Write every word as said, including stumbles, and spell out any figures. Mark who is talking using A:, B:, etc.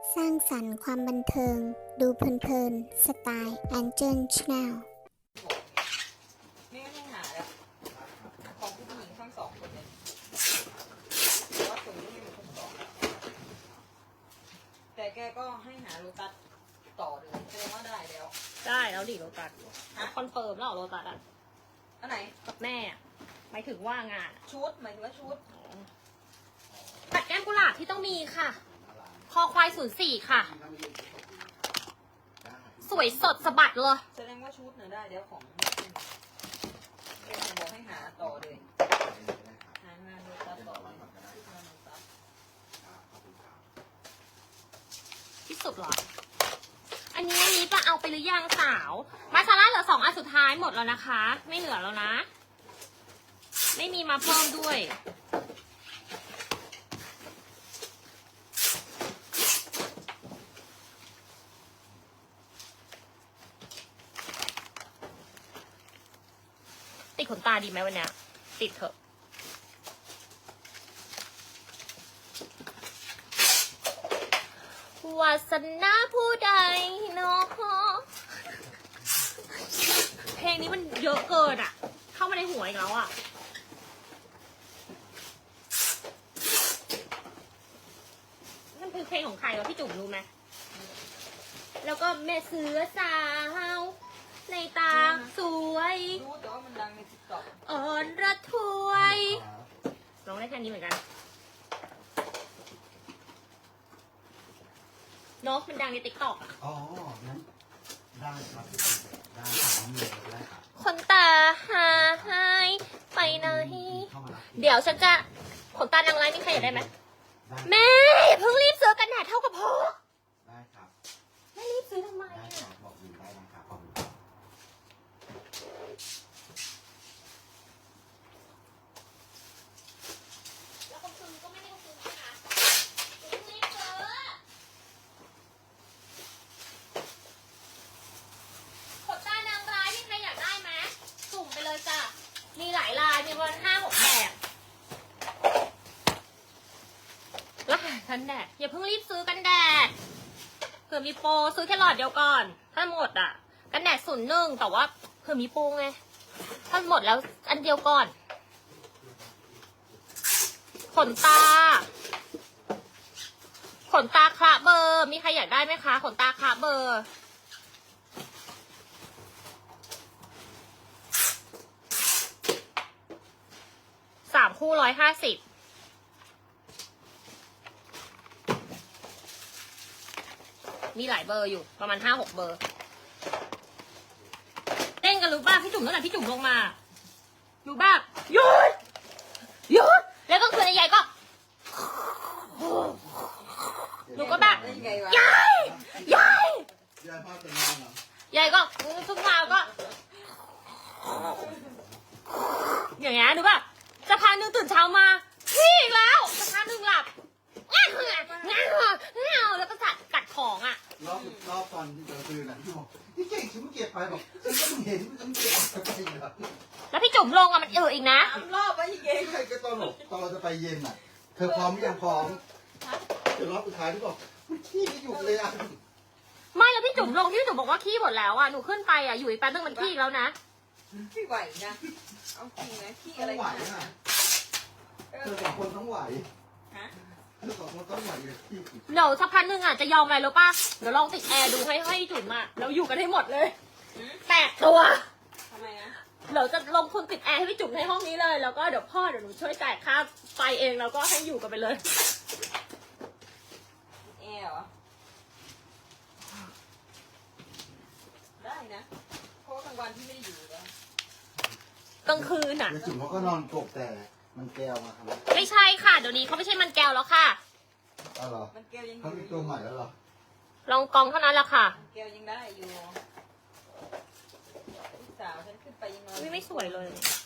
A: สร้างสรรค์ความบันเทิง ดูเพลินๆ สไตล์แอนเจิลชาแนล
B: ไม่ไม่หาแล้วของผู้หญิงทั้งสองคนเลยเพราะว่าส่งที่มีคนสองแต่แกก็ให้หาโลตัสต่อเลยแสดงว่าได้แล้ว
C: ได้แล้วดิโรตัสคอนเฟิร์มแล้วเหรอโรตัสอ่ะ
B: อันไหน
C: กับแม่อะหมายถึงว่างานอะ
B: ชุดหมายถึงว่าชุด
C: ปัดแก้มกุหลาบที่ต้องมีค่ะ คอควายศูนย์สี่ค่ะ สวยสดสะบัดเลย
B: แสดงว่าชุดเนี่ยได้เดี๋ยวของเป็นบอกให้หาต่อเลยหางานโลตัสต่อเลยชุดงานโลตัส
C: ที่สุดเหรอ อันนี้อันนี้จะเอาไปหรือยังสาว มาซาร่าเหลือสองอันสุดท้ายหมดแล้วนะคะ ไม่เหลือแล้วนะ ไม่มีมาเพิ่มด้วย ติดขนตาดีไหมวันเนี้ยติดเถอะวาสนาผู้ใดเนาะเพลงนี้มันเยอะเกินอ่ะ เข้ามาในหัวอีกแล้วอ่ะ มันคือเพลงของใครวะพี่จุ๋มรู้ไหม แล้วก็แม่เสือสาวในตาสวย
B: รู้แต่ว่ามันดังในติ๊กต็อก
C: อ่อนระทวยร้องได้แค่นี้เหมือนกันเนาะมันดังในติ๊กต็อกอะ
D: อ๋องั้นได้ครับได้ครับน้องเมย์ได้ครับ
C: ขนตาหายไปไหน
D: เข้ามารับ
C: เดี๋ยวฉันจะขนตานางร้ายมีใครอยากได้ไหม
D: ได้
C: แม่อย่าเพิ่งรีบซื้อกันแดดเท่ากับพอ
D: ได้ครับ
C: แม่รีบซื้อทำไม
D: ได้ครั
C: อะ
D: บบอกอยู่ได้นะครับขอบคุณครับ
C: แล้วคนซื้อก็ไม่ได้ซื้อนะอย่าเพิ่งรีบซื้อขนตานางร้ายมีใครอยากได้ไหมสุ่มไปเลยจ้ะมีหลายลายมีประมาณห้าหกแบบแล้วกันแดดอย่าเพิ่งรีบซื้อกันแดดเผื่อมีโปรซื้อแค่หลอดเดียวก่อนถ้าหมดอ่ะกันแดดศูนย์หนึ่งแต่ว่าเผื่อมีโปรไงถ้าหมดแล้วอันเดียวก่อนขนตาขนตาคละเบอร์มีใครอยากได้ไหมคะขนตาคละเบอร์สามคู่ร้อยห้าสิบมีหลายเบอร์อยู่ประมาณห้าหกเบอร์เต้นกันรู้ป่ะพี่จุ๋มตั้งแต่พี่จุ๋มลงมาอยู่แบบหยุดหยุดแล้วก็คือในใหญ่ก็หนูก็แบบ
B: ได้ยังไงวะ
C: ยายยาย
D: ยายพ่อจะนอนเหรอย
C: ายก็ทุกเช้าก็ อย่างเงี้ยหนูแบบจะพักหนึ่งตื่นเช้ามาพี่อีกแล้วจะพักหนึ่งหลับง่าเงาเงาเงาแล้วก็กัดกัดของอ่ะ
D: รอบรอบตอนที่เจอคืนน่ะที่บอกพี่เก่งฉันไม่เก็บไปบอกฉันก็เห็นฉันเก็บไปเหรอ
C: แล้วพี่จุ๋มลงอ่ะมันเอออีกนะ
B: สามรอบไปอีกเอง
D: ใช่ก็ตอนบอกตอนเราจะไปเย็นน่ะ เธอพร้อมหรือยังพร้อมเดี๋ยวรอบสุดท้ายที่บอกมันขี้ไม่หยุดเลยอ่ะ
C: ไม่แล้วพี่จุ๋มลงที่พี่จุ๋มบอกว่าขี้หมดแล้วอ่ะหนูขึ้นไปอ่ะอยู่อีกแป๊บนึงมันขี้อีกแล้วนะ
B: พี่ไหวนะเอาจริงนะพี่
D: ต้
B: อะ
D: อ
B: ไรง
D: ไหว
B: ขนาด
D: อ่ะ
B: นั้นเอ
D: เธ
B: อ
D: อสองคนต้องไหว
B: ฮะ
D: เธอสองคนต้องไหวเลยพี่
C: เดี๋ยวสักพักนึงอ่ะจะยอมอะไรรู้ป่ะเดี๋ยวลองติดแอร์ดูให้ให้จุ๋มอ่ะแล้วอยู่กันให้หมดเลย
B: หืม
C: แปดตัว
B: ทำไมนะ
C: เดี๋ยวจะลงทุนติดแอร์ให้พี่จุ๋มในห้องนี้เลย แล้วก็เดี๋ยวพ่อเดี๋ยวหนูช่วยจ่ายค่าไฟเองแล้วก็ให้อยู่กันไปเลย
B: แอร์เหรอได้นะเพราะว่ากลางวันพี่ไม่ได้อยู่แล้ว
C: กลางคืนอ่ะ
D: แล้วจุ๋มเขาก็นอนกบแต่มันแก้วมาครับ
C: ไม่ใช่ค่ะเดี๋ยวนี้เขาไม่ใช่มันแก้วแล้วค่ะ
D: อ๋อเหรอ
B: มันแก้วยังอ
D: เขา
B: ยู่
D: มีตัวใหม่แล้วเหรอ
C: ลองกองเท่านั้นแหละค่ะ
B: มันแก้วยังได้อยู่ลูกสาวฉันขึ้นไปยังนอน
C: ไม่ไม่สวยเลย
B: เ